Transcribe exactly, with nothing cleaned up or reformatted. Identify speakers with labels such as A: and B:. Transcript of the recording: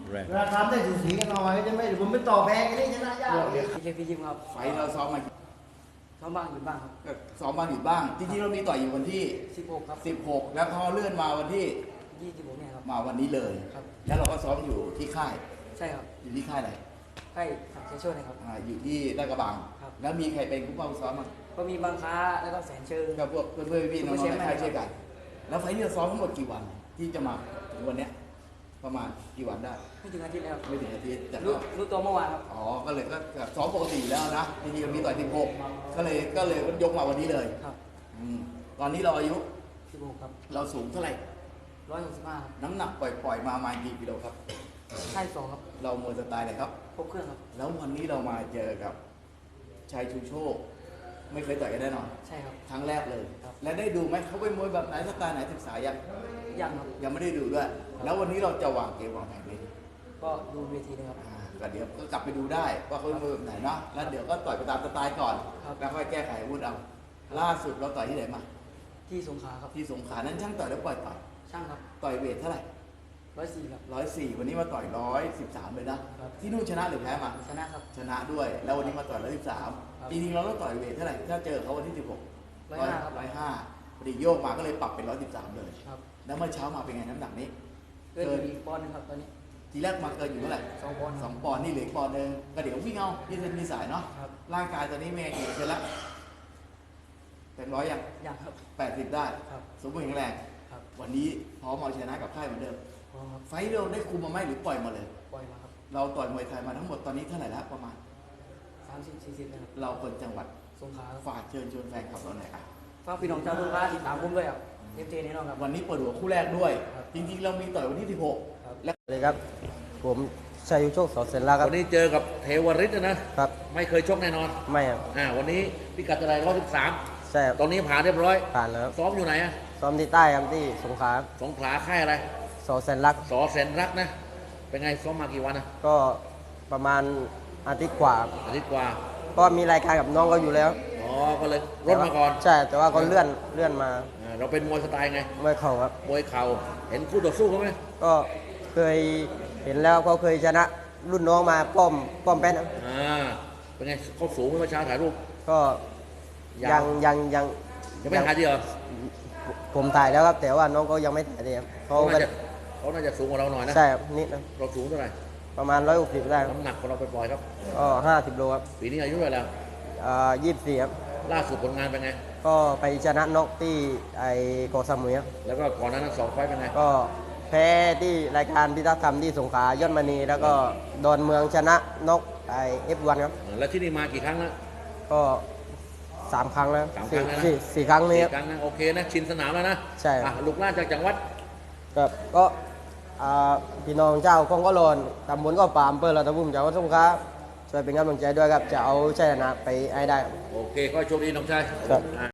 A: แรง
B: เวลาทำได้สูสีกันหน่อยจะไม่ผมไม่ต่อแพ้กันนี่ชนะยาก
C: พี่เจพี่ยิมครับ
D: ไฟท์เราซ้อมมา
C: ซ้อมบ้างอยู่บ้างครับ
D: ก็ซ้อมบ้างหยุดบ้าง จริงๆเรามีต่อยอยู่วันที่
C: สิบหกครับ
D: สิบหกแล้วเขาเลื่อนมาวันที่
C: ยี่สิบหกเนี่ยครับ
D: มาวันนี้เลย
C: ครับ
D: แล้วเราก็ซ้อมอยู่ที่ค่าย
C: ใช่ครับ
D: อยู่ที่ค่ายไหน
C: ให้ขับเชช่วยนะครับ
D: อ่าอยู่ที่ลาดกระบัง
C: ครับ
D: แล้วมีใครเป็นผู้เป้าซ้อมมั้ง
C: ก็มีบางค้าแล้วก็แสนเชิง
D: กับพวกเพื่อนๆพี่ๆน้องๆในค่ายช่วยกัน แล้วไฟท์ที่เราซ้อมทั้งหมดกี่วัน ที่จะมาถึงวันเนี้ยประมาณกี่วันได้
C: ไม่ถึงอาทิตย์แล้ว
D: ไม่ถึงอาทิตย์แต่
C: รู้
D: ก็
C: รู้ตัวเมื่อวานครับ
D: อ๋อ ก็เลยก็ซ้อมปกติอยู่แล้วนะจริงๆเรามีต่อยสิบหกก็เลยก็เลยยกมาวันนี้เลย
C: ครับ
D: อืมตอนนี้เราอายุ
C: สิบหกครับ
D: เราสูงเท่าไหร่
C: ร้อยหกสิบห้าครับ
D: น้ำหนักปล่อยๆมาประมาณกี่กิโลครับ
C: ใช่สองครับ
D: เรามวยสไตล์ไหนครับ
C: ครบเครื่องครับ
D: แล้ววันนี้เรามาเจอกับชัยชูโชค ไม่เคยต่อยกันแน่นอน
C: ใช่ครับ
D: ครั้งแรกเลย
C: ครับ
D: และได้ดูไหมเขาเป็นมวยแบบไหนสไตล์ไหนศึกษายัง
C: ยังครับ
D: ยังไม่ได้ดูด้วย แล้ววันนี้เราจะวางเกมวางแผนไว้
C: ก็ดูเวทีนะครับ
D: อ่าก็เดี๋ยวก็กลับไปดูได้ว่าเขาเป็นมวยแบบไหนเนาะแล้วเดี๋ยวก็ต่อยไปตามสไตล์ก่อน
C: ครับ
D: แล้วค่อยแก้ไขอาวุธเอาล่าสุดเราต่อยที่ไหนมา
C: ที่สงขลาครับ
D: ที่สงขลานั้นช่างต่อยแล้วปล่อยต่อย
C: ช่างครับ
D: ต่อยเวทเท่าไหร่
C: ร้อยสี่ครับ
D: ร้อยสี่วันนี้มาต่อยร้อยสิบสามเลยนะ
C: ครับ
D: ที่นู่นชนะหรือแพ้มา
C: ชนะครับ
D: ชนะด้วย แล้ววันนี้มาต่อยร้อยสิบสาม
C: ครับ
D: จริงๆเราต้องต่อยเวทเท่าไหร่ถ้าเจอเขาวันที่สิบหก
C: ร้อยห้าครับ
D: ร้อยห้าพอดีโยกมาก็เลยปรับเป็นร้อยสิบสามเลย
C: ครับ
D: แล้วเมื่อเช้ามาเป็นไงน้ำหนักนี้
C: เกินอยู่อีกปอนด์หนึงครับตอนนี้
D: ทีแรกมาเกินอยู่เท่าไหร่
C: สองปอนด์
D: สองปอนด์นี่เหลืออกปอนด์หนึงก็เดี๋ยววิ่งเอายืดเส้นมีสายเนาะ
C: ครับ
D: ร่างกายตอนนี้เป็นไงกี่เปอร์เซ็นต์ละเต็มร้อยยัง
C: ยังครับ
D: แปดสิบได้
C: ครับ
D: สมบูรณ์แข็งแรง
C: ครับ
D: วันนี้พร้อมเอาชนะกับค่ายเหมือนเดิม
C: พร้อมครับ
D: ไฟท์เราได้คุมมาไหมหรือปล่อยมาเลย
C: ปล่อยมาครับ
D: เราต่อยมวยไทยมาทั้งหมดตอนนี้เท่าไหร่แล้วประมาณ
C: สามสิบสี่สิบนะครับ
D: เราคนจังหวัด
C: สงขลาครับ
D: ฝากเชิญชวนแฟนคลับเราหน่อยอ่ะ
C: ฝากพี่น้องชาวสงขลาติดตามผมด้วยครับเอฟเจแน่นอนครับ
D: วันนี้เปิดหัวคู่แรกด้วย
C: ครับ
D: จริงๆ เรามีต่อยวันที่สิบหก
C: ครับ
D: และ
B: เลยครับ ผมชัยยุโชคสอเซนลาครับ
A: วันนี้เจอกับเทวริศนะ
B: ครับ
A: ไม่เคยชกแน่นอน
B: ไม่ครับ
A: อ่า วันนี้พิกัดอะไรร้อยสิบสาม
B: ใช่ครับ
A: ตอนนี้ผ่านเรียบร้อย
B: ผ่านแล้วครับ
A: ซ้อมอยู่ไหนอะ
B: ซ้อมที่ใต้ครับที่สงขลา
A: สงขลาค่ายอะไร
B: สอเซนลัก
A: สอแสนรักนะ เป็นไงซ้อมมากี่วันนะ
B: ก็ประมาณอาทิตย์กว่าครับ
A: อาทิตย์กว่า
B: ก็มีรายการกับน้องเขาอยู่แล้ว
A: อ๋อ ก็เลยลดมาก่อน
B: ใช่แต่ว่าก็เลื่อนเลื่อนมา
A: อ่าเราเป็นมวยสไตล์ไง
B: ไม่เข่าครับ
A: มวยเข่า เห็นคู่ต่อสู้เขาไหม
B: ก็เคยเห็นแล้วเขาเคยชนะรุ่นน้องมาป้อมป้อมแป้นครับ
A: อ่า เป็นไงเขาสูงไหมเมื่อเช้าถ่ายรูป
B: ก็
A: ยั
B: ยัง
A: ง
B: ยังยัง
A: ยังไม่ถ่ายดีเหรอ
B: ผมถ่ายแล้วครับ แต่ว่าน้องก็ยังไม่ถ่ายดีครับเขา
A: เขา
B: ก็
A: น่าจะเขาน่าจะสูงกว่าเราหน่อยนะ
B: ใช่ครับนิดนะ
A: เราสูงเท่าไหร่
B: ประมาณร้อยหกสิบได้ครับ
A: น้ำหนักของเราไปปล่อยๆครับ
B: ก็ห้าสิบโลครับ
A: ปีนี้อายุเท่าไหร่แล้ว
B: ยี่สิบสี่ครับ
A: ล่าสุดผลงานเป็นไง
B: ก็ไปชนะนกที่ไอโกอสมุยครับ
A: แล้วก็ก่อนหนานั้นสองไฟต์เป็นไง
B: ก็แพ้ที่รายการพิทักษ์ธรรมที่สงขลายอดมณี แล้วก็ดอนเมืองชนะนกไอเอฟวันครับ
A: แล้วที่นี่มากี่ครั้งแล้ว
B: ก็สามครั้งแล้ว
A: สามครั้
B: สี่
A: งแล้วนะ
B: สี่สี่ครั้งนี้
A: สี่
B: ครับ
A: ครั้งนะโอเคนะชินสนามแล้วนะ
B: ใช่ครับ
A: อ่ะลูกหลานจากจังหวัด
B: ครับก็อ่าพี่น้องเจ้าคงก็โลนตำบลก็ปามเปิดเราตะบุ่มจากวัดสงขลาช่วยเป็นกำลังใจด้วยครับ จะเอาชัยชนะไปให้ได้ครับ
A: โอเคก็โชคดีน้องชาย
B: ครับ
A: อ่ะ